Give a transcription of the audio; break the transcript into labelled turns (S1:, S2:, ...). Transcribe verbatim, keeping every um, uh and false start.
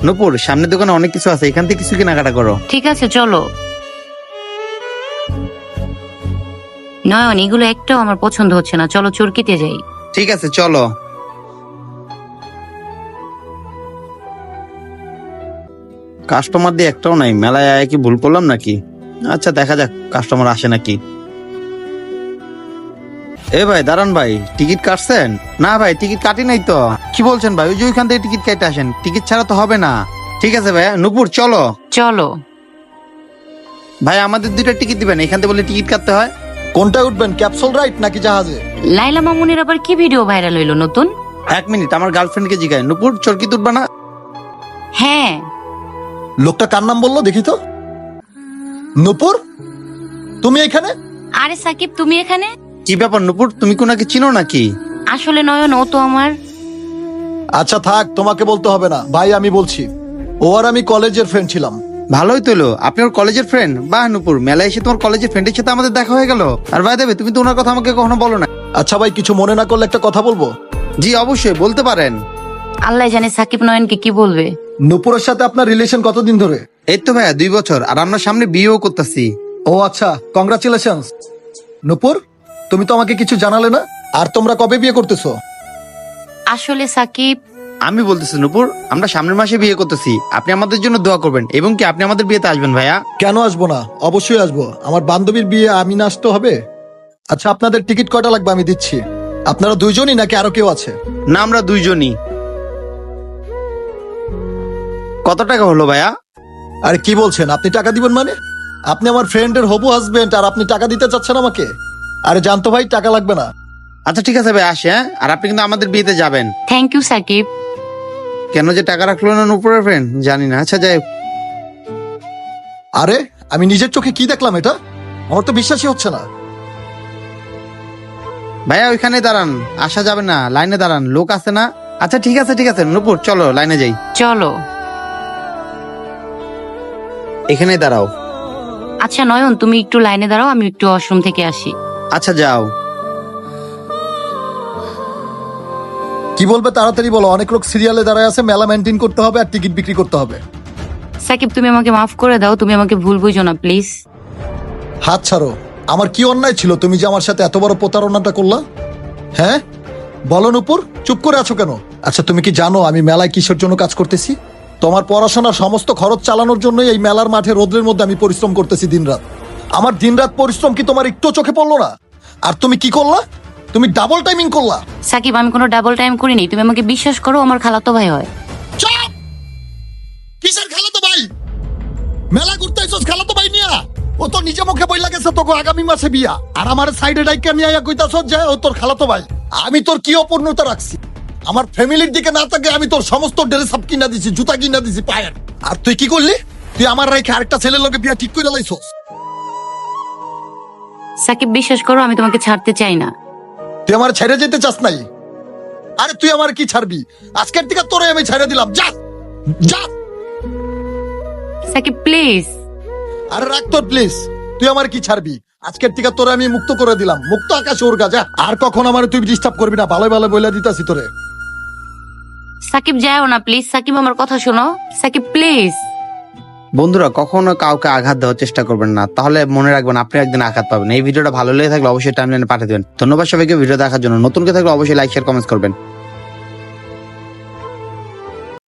S1: নূপুর, সামনের দোকানে অনেক কিছু আছে, এখান থেকে কিছু কেনাকাটা করো।
S2: ঠিক আছে চলো। নয়ন, এগুলো একটাও আমার পছন্দ হচ্ছে না, চলো চরকিতে যাই।
S1: ঠিক আছে চলো। কাস্টমার দিয়ে একটাও নাই, মেলায় আয় কি ভুল করলাম নাকি? আচ্ছা দেখা যাক কাস্টমার আসে নাকি। এ ভাই দাঁড়ান ভাই, টিকিট কাটছেন? না ভাই টিকিট কাটি নাই তো। কি বলছেন ভাই? ওই যে ওইখান থেকে টিকিট কেটে আসেন, টিকিট ছাড়া তো হবে না। ঠিক আছে ভাই, নূপুর চলো।
S2: চলো।
S1: ভাই আমাদের দুইটা টিকিট দিবেন, এখান থেকে বলে টিকিট কাটতে হয়।
S3: কোনটা উঠবেন, ক্যাপসুল রাইড নাকি জাহাজে?
S2: লাইলা মামুনের আবার কি ভিডিও ভাইরাল হইলো নতুন?
S1: এক মিনিট, আমার গার্লফ্রেন্ডকে জিগায়। নূপুর চরকি তুলবা না?
S2: হ্যাঁ।
S3: লোকটা কার নাম বললো দেখি তো। নূপুর, তুমি এখানে?
S2: আরে সাকিব, তুমি এখানে?
S1: কি ব্যাপার নূপুর, তুমি কোনাকে চিনো নাকি?
S2: আসলে নয়ন, ও তো আমার।
S3: আচ্ছা থাক, তোমাকে বলতে হবে না ভাই, আমি বলছি। ও আর আমি কলেজের ফ্রেন্ড ছিলাম।
S1: ভালোই তোলো, আপনি ওর কলেজের ফ্রেন্ড। বাহ নূপুর, মেলায় এসে তোমার কলেজের ফ্রেন্ডের সাথে আমাদের দেখা হয়ে গেল। আর ভাই দেবে, তুমি তো ওনার কথা আমাকে কখনো বলো না।
S3: আচ্ছা ভাই, কিছু মনে না করলে একটা কথা বলবো?
S1: জি অবশ্যই, বলতে পারেন।
S2: আল্লাহ জানে সাকিব নয়নকে কি বলবে।
S3: নূপুরের সাথে আপনার রিলেশন কতদিন ধরে?
S1: এই তো ভাইয়া দুই বছর, আর আমরা সামনে বিয়েও করতেছি।
S3: ও আচ্ছা, কংগ্রাচুলেশন। নূপুর, তুমি তো আমাকে কিছু জানালে না। আর তোমরা কবে বিয়ে করতেছো?
S2: আসলে সাকিব,
S1: আমি বলতেছি নূপুর, আমরা সামনের মাসে বিয়ে করতেছি। আপনি আমাদের জন্য দোয়া করবেন, এবং কি আপনি আমাদের বিয়েতে আসবেন ভাইয়া।
S3: কেন আসবো না, অবশ্যই আসবো। আমার বান্ধবীর বিয়ে, আমি না আসতে হবে? আচ্ছা, আপনাদের টিকিট কয়টা লাগবে আমি দিচ্ছি। আপনারা দুইজনই নাকি আরো কেউ আছে?
S1: না, আমরা দুইজনই। কত টাকা হলো ভাইয়া?
S3: আরে কি বলছেন, আপনি টাকা দিবেন মানে? আপনি আমার ফ্রেন্ডের হবু হাজবেন্ড আর আপনি টাকা দিতে চাচ্ছেন আমাকে? আরে জানতো ভাই, টাকা লাগবে না।
S1: আচ্ছা ঠিক আছে ভাই, আসে। হ্যাঁ, আর আপনি কিন্তু আমাদের বিয়েতে যাবেন।
S2: Thank you Sakib.
S1: কেন যে টাকা রাখলো না নূপুরের ফ্রেন্ড, জানি না। আচ্ছা যাই হোক।
S3: আরে আমি নিজের চোখে কি দেখলাম, এটা আমার তো বিশ্বাসই হচ্ছে না।
S1: ভাইয়া ওইখানে দাঁড়ান, আসা যাবে না, লাইনে দাঁড়ান, লোক আছে না। আচ্ছা ঠিক আছে ঠিক আছে নূপুর, চলো লাইনে যাই।
S2: চলো।
S1: এখানেই দাঁড়াও।
S2: আচ্ছা নয়ন, তুমি একটু লাইনে দাঁড়াও, আমি একটু ওয়াশরুম থেকে আসি।
S1: আচ্ছা যাও।
S3: কি বলবে তাড়াতাড়ি বলো, অনেক লোক সিরিয়ালে দাঁড়ায় আছে, মেলা মেনটেন করতে হবে আর টিকিট বিক্রি করতে হবে।
S2: সাকিব, তুমি আমাকে মাফ করে দাও, তুমি আমাকে ভুল বুঝো না প্লিজ।
S3: হাত ছাড়ো। আমার কি অন্যায় ছিল তুমি যে আমার সাথে এত বড় প্রতারণাটা করলা? হ্যাঁ বলো নূপুর, চুপ করে আছো কেন? আচ্ছা তুমি কি জানো আমি মেলায় কিসের জন্য কাজ করতেছি? তোমার পড়াশোনার সমস্ত খরচ চালানোর জন্যই এই মেলার মাঠে রোদ্রের মধ্যে আমি পরিশ্রম করতেছি দিনরাত। আমার দিনরাত পরিশ্রম কি তোমার একটু চোখে পড়লো না? আর তুমি কি করলা? তুমি ডাবল টাইমিং করলা।
S2: সাকিব, আমি কোনো ডাবল টাইম করিনি, তুমি আমাকে বিশ্বাস করো, আমার খালাতো ভাই হয়।
S3: চুপ! কিসের খালাতো ভাই? মেলা ঘুরতে আইছস খালাতো ভাই নিয়া? ও তো নিজে মুখে বইলা গেছে তোকে আগামী মাসে বিয়া, আর আমার সাইডে ডাইকে নিয়ে আইয়া কইতাছস যে ও তোর খালাতো ভাই। আমি তোর কি অপূর্ণতা রাখছি? আমার ফ্যামিলির দিকে না তাকে আমি তোর সমস্ত ড্রেস আপ কিনা দিছি, জুতা কিনা দিছি পায়ের। আর তুই কি করলি? তুই আমার রেখে আরেকটা ছেলের লগে বিয়া ঠিক করে লাইছস।
S2: সাকিব, বিশ্বাস করো, আমি তোমাকে ছাড়তে চাই না।
S3: তুই আমার ছেড়ে যেতে চাস নাই? আরে তুই আমার কি ছাড়বি? আজকের থেকে তোরে আমি ছেড়ে দিলাম, যা যা।
S2: সাকিব প্লিজ।
S3: আরে রাখ তোর প্লিজ, তুই আমার কি ছাড়বি? আজকের থেকে তোরে আমি মুক্ত করে দিলাম, মুক্ত আকাশে উড়গা, যা। আর কখন আমার তুই ডিস্টার্ব করবি না, ভালো ভালো বলে দিতাছি তোরে।
S2: সাকিব যাও না প্লিজ, সাকিব আমার কথা শোনো, সাকিব প্লিজ।
S1: বন্ধুরা, কখনো কাউকে আঘাত দেওয়ার চেষ্টা করবেন না, তাহলে মনে রাখবেন আপনি একদিন আঘাত পাবেন। এই ভিডিওটা ভালো লেগে থাকলে অবশ্যই টাইমলাইনে পাঠিয়ে দেবেন। ধন্যবাদ সবাইকে ভিডিও দেখার জন্য। নতুন কে থাকলে অবশ্যই লাইক শেয়ার কমেন্ট করবেন।